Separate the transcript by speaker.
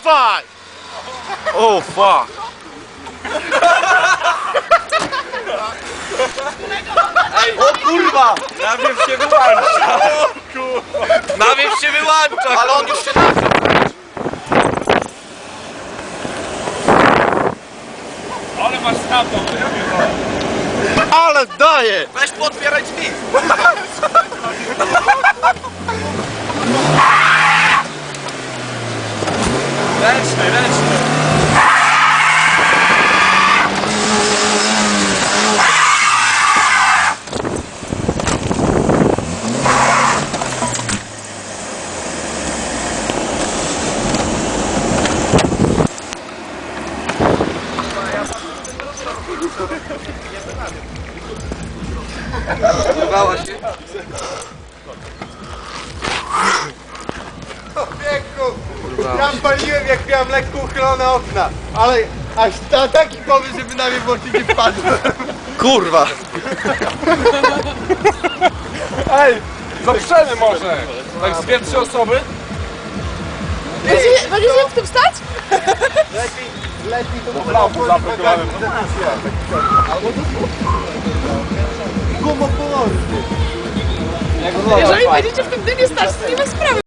Speaker 1: 5!
Speaker 2: Oh fuck! Ej, o kurwa! Nawiew się wyłącza! O kurwa! Nawiew się wyłącza!
Speaker 1: Ale on już się nazywa.
Speaker 3: Ale masz stamtąd,
Speaker 1: Ale daje!
Speaker 2: Weź potwieraj drzwi!
Speaker 3: ręczny, ręczny.
Speaker 2: Zerwała się.
Speaker 1: Ja paliłem jak miałem lekko uchylone okna, ale aż taki pomysł, żeby na mnie włączyć nie wpadł.
Speaker 2: Kurwa!
Speaker 3: Ej, zaprzemy może. Tak z 2-3 osoby.
Speaker 4: Będziecie w tym stać?
Speaker 1: Lepiej to
Speaker 3: Brawo, zablokowany.
Speaker 1: gumopołowy.
Speaker 4: Jeżeli będziecie w tym dymie stać, to nie ma sprawy.